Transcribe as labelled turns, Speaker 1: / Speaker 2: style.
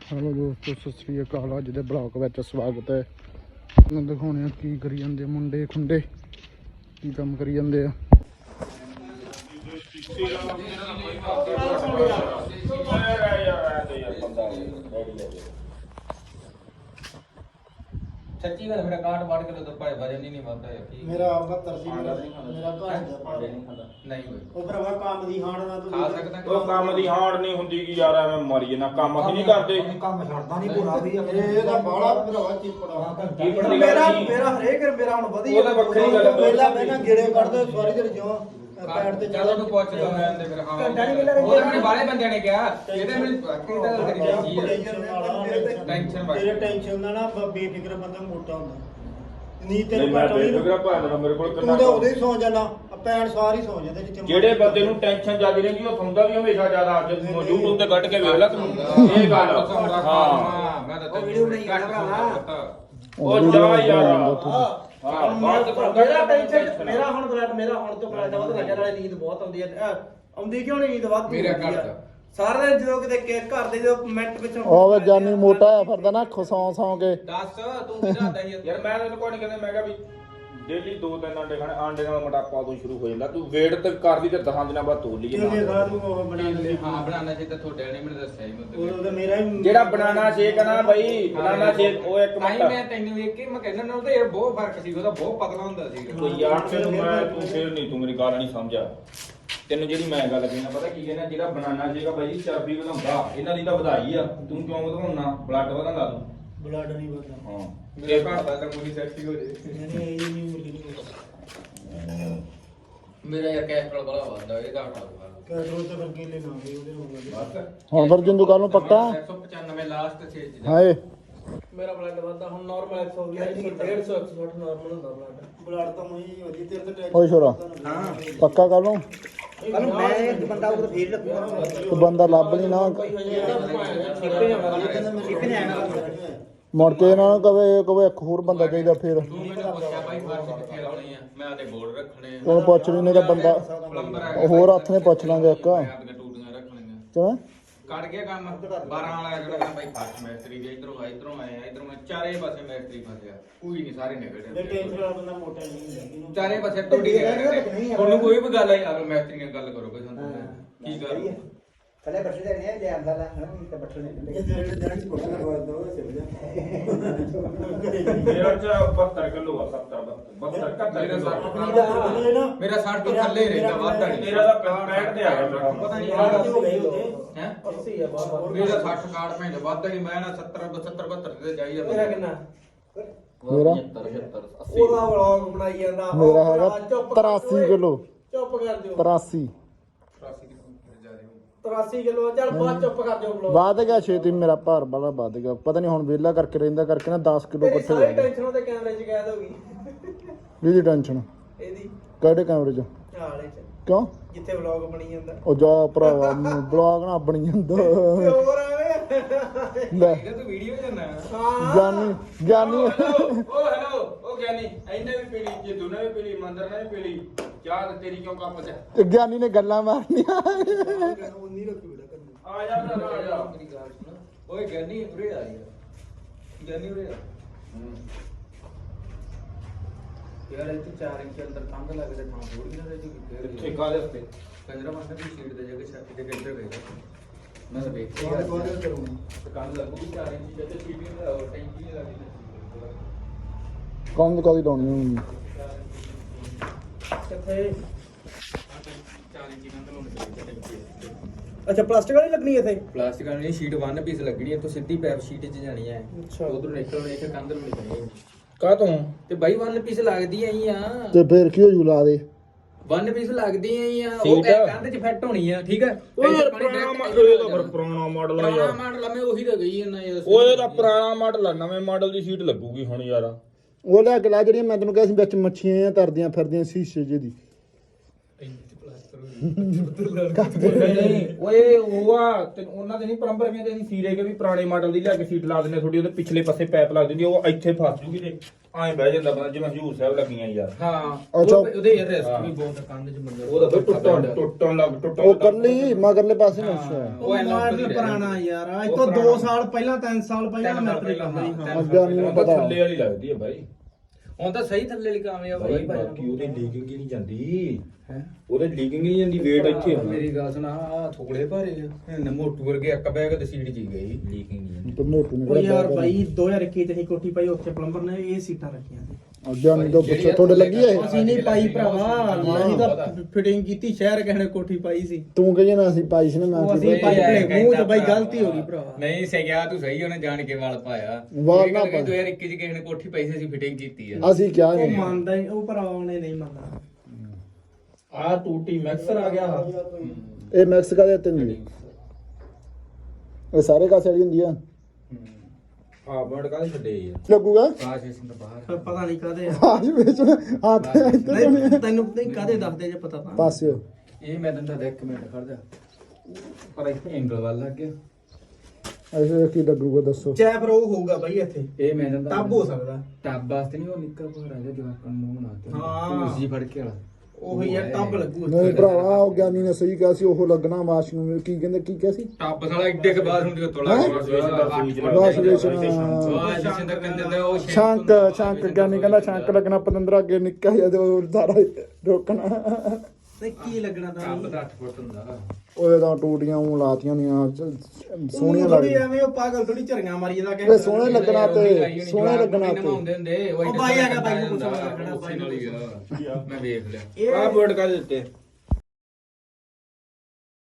Speaker 1: Hello दोस्तों, सत श्री अकाल। अज दे ब्लॉग विच स्वागत है। मैं दिखाने की करी जांदे मुंडे खुंडे की काम करी जांदे आ।
Speaker 2: सच्ची गल मेरा काट बाड़ के तो भाई वजन ही नहीं वादा है कि
Speaker 3: मेरा 72 ਸੀ ਮੇਰਾ ਘਰ ਜਾ ਪਾ
Speaker 2: नहीं होई
Speaker 3: ਉਹ ਭਰਾਵਾ ਕੰਮ ਦੀ ਹਾਣ ਨਾ ਤੂੰ
Speaker 2: खा सकदा
Speaker 4: ਉਹ ਕੰਮ ਦੀ ਹਾੜ ਨਹੀਂ ਹੁੰਦੀ ਕਿ ਯਾਰ ਐਵੇਂ ਮਰੀ ਨਾ ਕੰਮ ਅਸੀਂ ਨਹੀਂ ਕਰਦੇ
Speaker 5: ਕੰਮ ਛੱਡਦਾ ਨਹੀਂ ਪੂਰਾ ਵੀ
Speaker 3: ਇਹਦਾ ਬਾਲਾ ਭਰਾਵਾ ਚਿਪੜਾ
Speaker 4: ਚੀਪੜ ਦੀ
Speaker 5: ਮੇਰਾ
Speaker 4: ਗੱਲ ਨਹੀਂ
Speaker 5: ਮੇਰਾ ਹਰੇਕ ਮੇਰਾ ਹੁਣ ਵਧੀਆ
Speaker 4: ਉਹਦਾ ਵੱਖਰੀ ਗੱਲ ਹੈ।
Speaker 3: ਪਹਿਲਾਂ ਪਹਿਲਾਂ ਗੇੜੇ ਕੱਢਦੇ ਸਾਰੀ ਦਿਨ ਜਿਉਂ ਪੈਰ ਤੇ
Speaker 2: ਜਦੋਂ ਤੂੰ ਪੁੱਛ ਦੋ ਮੈਂ ਤੇ ਫਿਰ ਹਾਂ
Speaker 5: ਘੰਟਾ ਨਹੀਂ ਮਿਲਿਆ
Speaker 2: ਉਹ ਮੈਨੂੰ ਬਾਲੇ ਬੰਦਿਆਂ ਨੇ ਕਿਹਾ ਇਹਦੇ ਮੈਨੂੰ ਕੀ ਗੱਲ ਕਰੀ ਜਾਂਦੀ ਹੈ ਟੈਨਸ਼ਨ ਬਸ
Speaker 3: ਤੇਰੇ ਟੈਨਸ਼ਨ ਦਾ ਨਾ ਬੇਫਿਕਰ ਬੰਦਾ ਮੋਟਾ ਹੁੰਦਾ ਨੀਂਦ
Speaker 4: ਨਹੀਂ
Speaker 3: ਤੇਰੇ
Speaker 4: ਮੈਂ
Speaker 3: ਘੱਟ ਹੋਣੀ
Speaker 4: ਬੇਫਿਕਰਾ ਭਾਂਦਾ ਮੇਰੇ ਕੋਲ
Speaker 3: ਤੂੰ
Speaker 4: ਕਿੰਨਾ
Speaker 3: ਤਾਂ ਉਹਦੇ ਹੀ ਸੌ ਜਾਣਾ ਪੈਣ ਸਾਰੀ ਸੌ ਜਾਂਦੇ ਜਿੱਥੇ
Speaker 4: ਜਿਹੜੇ ਬੰਦੇ ਨੂੰ ਟੈਨਸ਼ਨ ਜ਼ਿਆਦਾ ਰਹਿੰਦੀ ਉਹ ਸੌਂਦਾ ਵੀ ਹਮੇਸ਼ਾ ਜ਼ਿਆਦਾ ਅੱਜ YouTube ਤੇ ਕੱਢ ਕੇ ਵੇਖ ਲੈ ਤੂੰ ਇਹ ਗੱਲ ਹਾਂ
Speaker 2: ਮੈਂ ਤਾਂ
Speaker 5: ਉਹ ਵੀਡੀਓ ਬਣਾਈ ਜਾਂਦਾ ਭਰਾ
Speaker 4: ਉਹ ਜਾ ਯਾਰ
Speaker 5: ਹਾਂ ਮੇਰਾ ਟੈਨਸ਼ਨ ਮੇਰਾ ਹੁਣ ਤੋਂ ਬਲੱਡ ਵੱਧ ਲੱਗਿਆ ਨਾਲੇ ਨੀਂਦ ਬਹੁਤ ਆਉਂਦੀ ਹੈ ਆਉਂਦੀ ਕਿਉਂ ਨਹੀਂ ਨੀਂਦ ਵੱਧ
Speaker 2: ਮੇਰਾ ਘਰ ਦਾ
Speaker 5: ਸਾਰਾ ਦਿਨ ਜਦੋਂ ਕਿਤੇ ਘਰ ਦੇ ਜਦੋਂ ਮਿੰਟ ਪਿੱਛੋਂ
Speaker 1: ਉਹ ਜਾਨੀ ਮੋਟਾ ਆ ਫਿਰਦਾ ਨਾ ਸੌਂ ਕੇ।
Speaker 2: ਦੱਸ ਤੂੰ ਕਿਹਦਾ ਦਈ
Speaker 4: ਯਾਰ ਮੈਂ ਤੈਨੂੰ ਕੋਈ ਨਹੀਂ ਕਹਿੰਦਾ ਮੈਂ ਕਿਹਾ ਵੀ ਡੇਲੀ 2-3 ਅੰਡੇ ਖਾਣੇ ਆਂਡੇ ਨਾਲ ਮੋਟਾਪਾ ਤੋਂ ਸ਼ੁਰੂ ਹੋ ਜਾਂਦਾ ਤੂੰ ਵੇਟ ਤੇ ਕਰਦੀ ਤੇ 10 ਦਿਨਾਂ ਬਾਅਦ ਤੋੜ ਲਈਏ
Speaker 3: ਜਿਹਦੇ ਸਾਹ ਨੂੰ ਉਹ ਬਣਾ ਲੈ
Speaker 2: ਹਾਂ ਬਣਾਉਣਾ ਚਾਹੀਦਾ ਤੁਹਾਡੇ ਨੇ ਮੈਨੂੰ ਦੱਸਿਆ ਹੀ
Speaker 3: ਉਹ ਤਾਂ ਮੇਰਾ ਹੀ
Speaker 4: ਜਿਹੜਾ ਬਨਾਨਾ ਸ਼ੇਕ ਆ ਨਾ ਬਈ ਬਨਾਨਾ ਸ਼ੇਕ ਉਹ ਇੱਕ
Speaker 2: ਨਹੀਂ
Speaker 4: ਮਿੰਟ
Speaker 2: ਮੈਂ ਤੈਨੂੰ ਵੇਖ ਕੇ ਮੈਂ ਕਹਿੰਦਾ ਨਾ ਉਹਦਾ ਯਾਰ ਬਹੁਤ ਫਰਕ ਸੀ ਉਹਦਾ ਬਹੁਤ ਪਤਲਾ ਹੁੰਦਾ ਸੀ
Speaker 4: ਕੋਈ ਯਾਰ ਤੈਨੂੰ ਮੈਂ ਤੂੰ ਫੇਰ ਨਹੀਂ ਤੂੰ ਮੇਰੀ ਗੱਲ ਨਹੀਂ ਸਮਝਿਆ ਤੈਨੂੰ ਜਿਹੜੀ ਮੈਂ ਗੱਲ ਕਹਿਣਾ ਪਤਾ ਕੀ ਕਹਿੰਦਾ ਜਿਹੜਾ ਬਨਾਨਾ ਸ਼ੇਕ ਆ ਬਾਈ ਚਰਬੀ ਵਧਾਉਂਦਾ ਇਹਨਾਂ ਦੀ ਤਾਂ ਵਧਾਈ ਆ ਤੂੰ ਕਿਉਂ ਵਧਾਉਣਾ ਬਲੱਡ ਵਧਾਉਂਦਾ ਤੂੰ
Speaker 3: ਬਲੱਡ ਨਹੀਂ ਵਧਦਾ
Speaker 4: ਹਾਂ
Speaker 2: ਮੇਰੇ ਘਰ ਦਾ ਤਾਂ ਕੋਈ ਸੈਕਸੀ ਹੋ ਜੇ
Speaker 3: ਨਹੀਂ ਇਹ ਨਹੀਂ ਮੁਰਗੀ ਨਹੀਂ
Speaker 2: ਮੇਰਾ ਯਾਰ ਕੈਸਟਰੋਲ ਬੜਾ ਵੱਧਦਾ ਇਹਦਾ ਹਟਾਊਗਾ
Speaker 3: ਕੈਟਰੋਲ ਤਾਂ ਫਿਰ ਕੇਲੇ ਨਾ ਗਏ ਉਹਦੇ ਹੋ ਗਏ
Speaker 2: ਬਸ
Speaker 1: ਹੁਣ ਫਿਰ ਜਿੰਦੂ ਕੱਲ ਨੂੰ ਪੱਕਾ
Speaker 2: 195 ਲਾਸਟ ਛੇ ਚ
Speaker 1: ਹਾਏ
Speaker 5: ਮੇਰਾ ਬਲੱਡ ਵੱਧਦਾ ਹੁਣ ਨਾਰਮਲ 120 150 160 ਨਾਰਮਲ ਹੁੰਦਾ ਬਲੱਡ
Speaker 3: ਬਲੱਡ ਤਾਂ ਉਹੀ ਵਧੀ ਤੇਰੇ ਤੇ
Speaker 1: ਓਏ ਛੋਰਾ ਪੱਕਾ ਕੱਲ ਨੂੰ
Speaker 5: ਕੱਲ ਮੈਂ ਇੱਕ ਬੰਦਾ ਉਹ ਫੇਰ ਲੱਗੂਗਾ
Speaker 1: ਤੇ ਬੰਦਾ ਲੱਭ ਲਈ ਨਾ ਮੁੜ ਕੇ ਇਹਨਾਂ ਨੂੰ ਕਵੇ ਇੱਕ ਹੋਰ ਬੰਦਾ ਚਾਹੀਦਾ ਫਿਰ
Speaker 2: ਤੂੰ ਮੈਨੂੰ ਪੁੱਛਿਆ ਭਾਈ ਫਰਸ਼ ਕਿੱਥੇ ਲਾਉਣੀ ਆ ਮੈਂ ਆਦੇ ਬੋਰਡ ਰੱਖਣੇ ਆ
Speaker 1: ਉਹਨੂੰ ਪੁੱਛ ਲਈ ਨਹੀਂ ਤਾਂ ਬੰਦਾ
Speaker 2: ਪਲੰਬਰ ਆ
Speaker 1: ਉਹ ਹੋਰ ਹੱਥ ਨੇ ਪੁੱਛ ਲਾਂਗੇ ਇੱਕ
Speaker 2: ਮੈਂ ਆਪਣੀਆਂ ਟੂਟੀਆਂ ਰੱਖਣੀਆਂ
Speaker 1: ਕਿਵੇਂ
Speaker 2: ਕੱਢ ਗਿਆ ਕੰਮ 12 ਵਾਲਾ ਜਿਹੜਾ ਭਾਈ ਫਰਸ਼ ਮੈਸਤਰੀ ਵੀ ਇਧਰੋਂ ਆਇਆ ਇਧਰੋਂ ਮੈਂ ਚਾਰੇ ਪਾਸੇ ਮੈਸਤਰੀ ਫਸਿਆ ਕੋਈ ਨਹੀਂ ਸਾਰੇ ਨਿਕਲ
Speaker 3: ਇਹ
Speaker 2: ਜਾਂਦੇ
Speaker 3: ਟੈਨਸ਼ਨ ਵਾਲਾ ਬੰਦਾ ਮੋਟਾ ਨਹੀਂ ਹੁੰਦਾ ਇਹਨੂੰ
Speaker 2: ਚਾਰੇ ਪਾਸੇ ਟੋਡੀ ਤੁਹਾਨੂੰ ਕੋਈ ਵੀ ਗੱਲ ਆਈ ਆਪ ਮੈਸਤਰੀ ਨਾਲ ਗੱਲ ਕਰੋ ਕੋਈ ਸਾਨੂੰ ਕੀ ਕਰ
Speaker 5: ਥੱਲੇ ਬੱਠੇ ਦੇ ਨੇ ਜੇ ਆਂਦਾ ਲਾ ਹਣ ਤੇ ਬੱਠੇ ਨੇ
Speaker 3: ਇਹ ਜਿਹੜੇ ਜਾਣ ਚ ਕੋਟਾ ਲਗਵਾ ਦੋ ਚੱਲ ਜਾ
Speaker 4: ਮੇਰਾ ਚ 72 ਕਿਲੋ ਆ 70 72 71 ਕਿਲੋ
Speaker 2: ਮੇਰਾ 60 ਤੋਂ ਥੱਲੇ ਰਹਿੰਦਾ ਵਾਧਾ ਨਹੀਂ
Speaker 4: ਤੇਰਾ ਤਾਂ 65 ਤੇ ਆ ਗਿਆ ਮੇਰਾ
Speaker 2: ਪਤਾ ਨਹੀਂ
Speaker 3: ਹੋ ਗਏ ਉਹਦੇ
Speaker 2: ਹੈ
Speaker 5: 80 ਆ ਬਾਬਾ
Speaker 2: ਮੇਰਾ 60 ਕਾਰਡ ਭੈਣ ਵਾਧਾ ਨਹੀਂ ਮੈਂ ਨਾ 70 72 ਤੇ ਜਾਈਦਾ
Speaker 5: ਮੇਰਾ ਕਿੰਨਾ
Speaker 1: ਮੇਰਾ
Speaker 2: 75
Speaker 5: ਉਹਦਾ ਵਲੌਗ ਬਣਾਈ ਜਾਂਦਾ
Speaker 1: ਮੇਰਾ ਹੈਗਾ 83 ਕਿਲੋ
Speaker 5: ਚੁੱਪ ਕਰ ਦਿਓ
Speaker 1: 83
Speaker 5: 83 ਕਿਲੋ ਚੱਲ ਬਾਅਦ ਚੁੱਪ ਕਰ ਦਿਓ ਵਲੌਗ
Speaker 1: ਵੱਧ ਗਿਆ ਛੇਤੀ ਮੇਰਾ ਭਾਰ ਬੜਾ ਵੱਧ ਗਿਆ ਪਤਾ ਨਹੀਂ ਹੁਣ ਵਿਹਲਾ ਕਰਕੇ ਰਹਿੰਦਾ ਕਰਕੇ ਨਾ 10 ਕਿਲੋ
Speaker 5: ਤੇਰੀ
Speaker 1: ਇਕੱਠੇ ਹੋ
Speaker 5: ਸਾਰੀ
Speaker 1: ਗਏ
Speaker 5: ਟੈਨਸ਼ਨ ਉਹਦੇ ਕੈਮਰੇ 'ਚ ਕੈਦ ਹੋ ਗਈ
Speaker 1: ਇਹਦੀ ਟੈਨਸ਼ਨ
Speaker 5: ਇਹਦੀ
Speaker 1: ਕਿਹੜੇ ਕੈਮਰੇ 'ਚ
Speaker 5: ਹਾਲੇ 'ਚ
Speaker 1: ਕਿਉਂ
Speaker 5: ਜਿੱਥੇ ਵਲੌਗ ਬਣੀ ਜਾਂਦਾ
Speaker 1: ਉਹ ਜਾ ਭਰਾਵਾ ਬਲੌਗ ਨਾ ਬਣੀ ਜਾਂਦਾ
Speaker 5: ਹੋਰ ਆਵੇ
Speaker 1: ਲੈ
Speaker 2: ਇਹ ਤੂੰ ਵੀਡੀਓ ਜਾਂਦਾ
Speaker 5: ਹਾਂ
Speaker 1: ਗਿਆਨੀ
Speaker 4: ਉਹ ਹੈਲੋ ਉਹ ਗਿਆਨੀ ਇਹਨੇ ਵੀ ਪੀਲੀ ਜੇ ਤੂੰ ਨੇ ਵੀ ਪੀਲੀ ਮੰਦਰ ਨੇ ਵੀ ਪੀਲੀ ਚਾਹ ਤੇ ਤੇਰੀ ਕਿਉਂ ਕੱਪ ਚ
Speaker 1: ਤੇ ਗਿਆਨੀ ਨੇ ਗੱਲਾਂ ਮਾਰਨੀਆਂ
Speaker 3: ਉਨੀ ਰੱਖੀ ਬੇਟਾ ਕਰ
Speaker 4: ਆ ਜਾ ਭਰਾ ਆ ਜਾ
Speaker 2: ਮੇਰੀ ਗੱਲ ਸੁਣ ਓਏ ਗਿਆਨੀ ਉਰੇ ਆ ਯਾਰ ਗਿਆਨੀ ਉਰੇ ਆ ਯਾਰ ਇੱਥੇ 4 ਇੰਚ ਅੰਦਰ ਕੰਧ ਲੱਗਦੇ ਥਾਂ ਥੋੜੀ ਨਾ ਰਹੀ
Speaker 4: ਇੱਥੇ ਕਾਲੇ ਉੱਤੇ
Speaker 2: ਕੰਜਰਾ ਮਾਸਟਰ ਦੀ ਸ਼ੀਟ ਦੇ ਜਗ੍ਹਾ ਛੱਤ ਦੇ ਕਿੱਧਰ ਗਏ ਮੈਂ ਤਾਂ ਵੇਖਿਆ
Speaker 3: ਬਾਅਦ ਬਾਅਦ ਕਰੂੰਗਾ
Speaker 2: ਕੰਧ ਲੱਗੂਗੀ 4 ਇੰਚ ਜਿੱਥੇ ਸ਼ੀਟ ਨਹੀਂ ਲਾਓ ਟੈਂਕੀ ਨਹੀਂ ਲੱਗਦੀ
Speaker 1: ਕੰਮ ਕਦੀ ਲਾਉਣੀ ਹੁੰਦੀ
Speaker 5: ਕਿੱਥੇ
Speaker 2: 4 ਇੰਚ ਕੰਧ ਲਾਉਣੀ ਟੈਂਕੀ
Speaker 5: ਅੱਛਾ ਪਲਾਸਟਿਕ ਵਾਲੀ ਲੱਗਣੀ ਇੱਥੇ
Speaker 2: ਪਲਾਸਟਿਕ ਵਾਲੀ ਸ਼ੀਟ 1 ਪੀਸ ਲੱਗਣੀ ਹੈ ਤੂੰ ਸਿੱਧੀ ਪੈਪ ਸ਼ੀਟ 'ਚ ਜਾਣੀ ਹੈ
Speaker 5: ਅੱਛਾ।
Speaker 2: ਉਧਰੋਂ ਨਿਕਲਣੀ ਇੱਕ ਕੰਧ ਨੂੰ ਨਿਕਲਣੀ
Speaker 4: ਕਾ ਤੂੰ
Speaker 2: ਤੇ ਬਾਈ 1 ਪੀਸ ਲੱਗਦੀ ਆਈ ਆ
Speaker 1: ਤੇ ਫਿਰ ਕੀ ਹੋ ਜੂ ਲਾ ਦੇ
Speaker 2: 1 ਪੀਸ ਲੱਗਦੀ ਆਈ ਆ ਉਹ
Speaker 4: ਠੀਕ ਆ।
Speaker 2: ਕੰਧ 'ਚ ਫਿੱਟ ਹੋਣੀ ਆ ਠੀਕ ਹੈ
Speaker 4: ਓਏ ਪੁਰਾਣਾ ਮਾਡਲ ਇਹ ਤਾਂ ਫਿਰ ਪੁਰਾਣਾ ਮਾਡਲ ਆ
Speaker 2: ਪੁਰਾਣਾ
Speaker 4: ਯਾਰ
Speaker 2: ਮਾਡਲ ਆ ਮੈਂ ਉਹੀ ਤਾਂ ਗਈ ਜਾਂਦਾ ਯਾਰ
Speaker 4: ਓਏ ਤਾਂ ਪੁਰਾਣਾ ਮਾਡਲ ਆ ਨਵੇਂ ਮਾਡਲ ਦੀ ਸੀਟ ਲੱਗੂਗੀ ਹੁਣ ਯਾਰ
Speaker 1: ਉਹ ਲੈ ਕੇ ਲਾ ਜਿਹੜੀਆਂ ਮੈਂ ਤੈਨੂੰ ਕਿਹਾ ਸੀ ਵਿੱਚ ਮੱਛੀਆਂ ਆ ਤਰਦੀਆਂ ਫਿਰਦੀਆਂ ਸ਼ੀਸ਼ੇ ਜਿਹੀ ਦੀ
Speaker 4: ਨਹੀਂ ਓਏ ਉਹ ਆ ਉਹਨਾਂ ਦੇ ਨਹੀਂ ਪਲੰਬਰ ਕਹਿੰਦੇ ਅਸੀਂ ਸੀਰੇ ਕੇ ਵੀ ਪੁਰਾਣੇ ਮਾਡਲ ਦੀ ਲਿਆ ਕੇ ਸੀਟ ਲਾ ਦਿੰਦੇ ਥੋੜੀ ਉਹਦੇ ਪਿਛਲੇ ਪਾਸੇ ਪਾਈਪ ਲੱਗ ਜਾਂਦੀ ਉਹ ਇੱਥੇ ਫਸ ਜੂਗੀ ਤੇ ਐਂ ਬਹਿ ਜਾਂਦਾ ਬੰਦਾ ਜਿਵੇਂ ਹਜੂਰ ਸਾਹਿਬ ਲੱਗੀਆਂ ਯਾਰ
Speaker 2: ਹਾਂ
Speaker 1: ਅੱਛਾ।
Speaker 2: ਉਹਦੇ ਯਾਰ ਰਿਸਕ ਵੀ ਬਹੁਤ ਕੰਨ ਚ ਮੰਦਰ
Speaker 4: ਉਹਦਾ ਫਿਰ ਟੁੱਟਣ ਲੱਗ
Speaker 1: ਉਹ ਕੱਲੀ ਮਗਰਲੇ ਪਾਸੇ ਨੂੰ ਅੱਛਾ
Speaker 5: ਉਹ ਮਾਡਲ ਪੁਰਾਣਾ ਯਾਰ ਅੱਜ ਤੋਂ 2 ਸਾਲ ਪਹਿਲਾਂ 3 ਸਾਲ ਪਹਿਲਾਂ ਮਿਸਤਰੀ ਕੰਮ ਕਰੀ ਹਾਂ
Speaker 1: ਅੱਗੇ ਨਹੀਂ ਪਤਾ
Speaker 4: ਥੱਲੇ ਵਾਲੀ ਲੱਗਦੀ ਹੈ ਬਾਈ
Speaker 2: ਹੁਣ ਤਾਂ ਸਹੀ ਥੱਲੇ ਵਾਲੀ ਕਾਮਯਾਬ ਹੋਈ
Speaker 4: ਬਾਈ ਬਾਕੀ ਉਹਦੀ ਲੀਕਿੰਗ ਹੀ ਨਹੀਂ ਜਾਂਦੀ ਉਹਦੇ ਲੀਕਿੰਗ ਨਹੀਂ ਜਾਂਦੀ ਵੇਟ ਇੱਥੇ ਹੋਣਾ
Speaker 2: ਮੇਰੀ ਗੱਲ ਸੁਣਾ ਆ ਥੋੜੇ ਭਾਰੇ ਆ ਮੋਟੂ ਵਰਗੇ ਇੱਕ ਬੈਗ ਤੇ ਸੀਟ ਜੀ ਗਈ ਲੀਕਿੰਗ ਨਹੀਂ ਜਾਂਦੀ
Speaker 1: ਤੇ ਮੋਟੂ
Speaker 5: ਉਹ
Speaker 1: ਨਹੀਂ
Speaker 5: ਯਾਰ ਬਾਈ 2021 ਚ ਹੀ ਕੋਠੀ ਪਾਈ ਉੱਥੇ ਪਲੰਬਰ ਨੇ ਇਹ ਸੀਟਾਂ ਰੱਖੀਆਂ ਸੀ
Speaker 1: ਅੱਗੇ ਨਹੀਂ ਤਾਂ ਪਿੱਛੇ ਤੁਹਾਡੇ ਲੱਗੀ ਹੈ
Speaker 5: ਅਸੀਂ ਨਹੀਂ ਪਾਈ ਭਰਾਵਾ ਅਸੀਂ ਤਾਂ ਫਿਟਿੰਗ ਕੀਤੀ ਸ਼ਹਿਰ ਕਹਿਣੇ ਕੋਠੀ ਪਾਈ ਸੀ
Speaker 1: ਤੂੰ ਕਹੀ ਨਾ ਅਸੀਂ ਪਾਈ ਸੀ ਨਾ ਮੈਂ
Speaker 5: ਉਹ ਅਸੀਂ ਪਾਈ ਆਪਣੇ ਮੂੰਹ ਚ ਬਾਈ ਗਲਤੀ ਹੋ ਗਈ ਭਰਾਵਾ
Speaker 2: ਨਹੀਂ ਸਹਿਆ ਤੂੰ ਸਹੀ ਉਹਨੇ ਜਾਣ ਕੇ ਵਾਲ ਪਾਇਆ
Speaker 1: ਵਾਲ ਨਾ ਪਾਇਆ।
Speaker 2: 2021 ਚ ਕਿਸੇ ਨੇ ਕੋਠੀ ਪਾਈ ਸੀ ਅਸੀਂ ਫਿਟਿੰਗ ਕੀਤੀ ਆ
Speaker 1: ਅਸੀਂ ਕਿਹਾ
Speaker 5: ਉਹ
Speaker 1: ਨਹੀਂ
Speaker 5: ਮੰਨਦਾ ਹੀ ਉਹ ਭਰਾਵਾ ਉਹਨੇ ਨਹੀਂ ਮੰਨਦਾ
Speaker 4: ਆ ਟੂਟੀ ਮੈਕਸਰ ਆ ਗਿਆ
Speaker 1: ਇਹ ਮੈਕਸੀਕਾ ਦੇ ਤਿੰਨ ਜੀ ਇਹ ਸਾਰੇ ਕਾਸੇ ਵਾਲੀ ਹੁੰਦੀ ਆ
Speaker 4: ਆ ਬਰਡ ਕਾਹਦੇ ਛੱਡੇ ਯਾਰ
Speaker 1: ਲੱਗੂਗਾ
Speaker 2: ਕਾਸ਼ ਸਿੰਘ ਤੋਂ ਬਾਹਰ
Speaker 5: ਫਿਰ ਪਤਾ ਨਹੀਂ ਕਾਦੇ
Speaker 1: ਆਜ ਵਿੱਚ ਹੱਥ ਇੱਧਰ
Speaker 5: ਨਹੀਂ ਤੈਨੂੰ ਨਹੀਂ ਕਾਦੇ ਦੱਸਦੇ ਜੇ ਪਤਾ ਤਾਂ
Speaker 1: ਪਾਸਿਓ
Speaker 2: ਇਹ ਮੈਂ ਤੈਨੂੰ ਤਾਂ ਇੱਕ ਮਿੰਟ ਖੜ ਜਾ ਪਰ ਇੱਥੇ ਐਂਗਲ ਵੱਲ ਲੱਗ ਗਿਆ
Speaker 1: ਐਸੇ ਕੀ ਲੱਗੂਗਾ ਦੱਸੋ
Speaker 5: ਚਾਹ ਫਿਰ ਉਹ ਹੋਊਗਾ ਬਾਈ ਇੱਥੇ
Speaker 2: ਇਹ ਮੈਂ ਤੈਨੂੰ
Speaker 5: ਟੱਬ ਹੋ ਸਕਦਾ
Speaker 2: ਟੱਬ ਵਾਸਤੇ ਨਹੀਂ ਉਹ ਨਿੱਕਾ ਭਾਰਾ ਜਿਹਾ ਜਵਾਕਾਂ ਨੂੰ ਮੂੰਹ ਬਣਾਤੇ
Speaker 5: ਹਾਂ।
Speaker 2: ਤੁਸੀਂ ਫੜ ਕੇ ਵਾਲਾ
Speaker 5: ਉਹੀ ਯਾਰ ਟੱਬ ਲੱਗੂ
Speaker 1: ਨਹੀਂ ਭਰਾਵਾ ਉਹ ਗਿਆਨੀ ਨੇ ਸਹੀ ਕਿਹਾ ਸੀ ਉਹ ਲੱਗਣਾ ਵਾਸ਼ ਨੂੰ ਕੀ ਕਹਿੰਦੇ ਕੀ ਕਿਹਾ ਸੀ
Speaker 2: ਟੱਬ ਸਾਲਾ ਇੱਡੇ ਕੇ ਬਾਅਦ ਹੁੰਦੀ ਤੋਲਾ
Speaker 1: ਹੈਂ? ਵਾਸ਼ ਵੇਚਣਾ
Speaker 2: ਜਿੰਦਰ ਕਹਿੰਦੇ ਤੇ ਉਹ
Speaker 1: ਸ਼ੰਕ ਗਿਆਨੀ ਕਹਿੰਦਾ ਸ਼ੰਕ ਲੱਗਣਾ ਪਤੰਦਰਾ ਅੱਗੇ ਨਿੱਕਾ ਜਿਹਾ ਤੇ ਉਹ ਸਾਰਾ ਰੋਕਣਾ
Speaker 5: ਤੇ ਕੀ ਲੱਗਣਾ ਤਾਂ
Speaker 2: ਟੱਬ ਦਾ 8 ਫੁੱਟ ਹੁੰਦਾ
Speaker 1: ਉਹਦੇ ਤਾਂ ਟੂਟੀਆਂ ਉਹ ਲਾਤੀਆਂ ਦੀਆਂ ਸੋਹਣੀਆਂ
Speaker 5: ਥੋੜੀ
Speaker 1: ਲੱਗਦੀਆਂ
Speaker 5: ਐਵੇਂ ਉਹ ਪਾਗਲ ਥੋੜੀ ਝਰੀਆਂ ਮਾਰੀ ਜਾਂਦਾ
Speaker 1: ਇਹ ਸੋਹਣੇ ਲੱਗਣਾ ਤੇ ਸੋਹਣੇ ਲੱਗਣਾ ਤੇ
Speaker 2: ਹੁੰਦੇ ਹੁੰਦੇ
Speaker 5: ਉਹ ਬਾਈ ਹੈਗਾ ਬਾਈ ਨੂੰ ਪੁੱਛਣਾ ਲੱਗਣਾ
Speaker 2: ਬਾਈ ਨਾਲ ਹੀ ਆ ਮੈਂ ਵੇਖ ਲਿਆ
Speaker 5: ਇਹ
Speaker 4: ਆ ਬਰਡ ਕਾਹਦੇ ਦਿੱਤੇ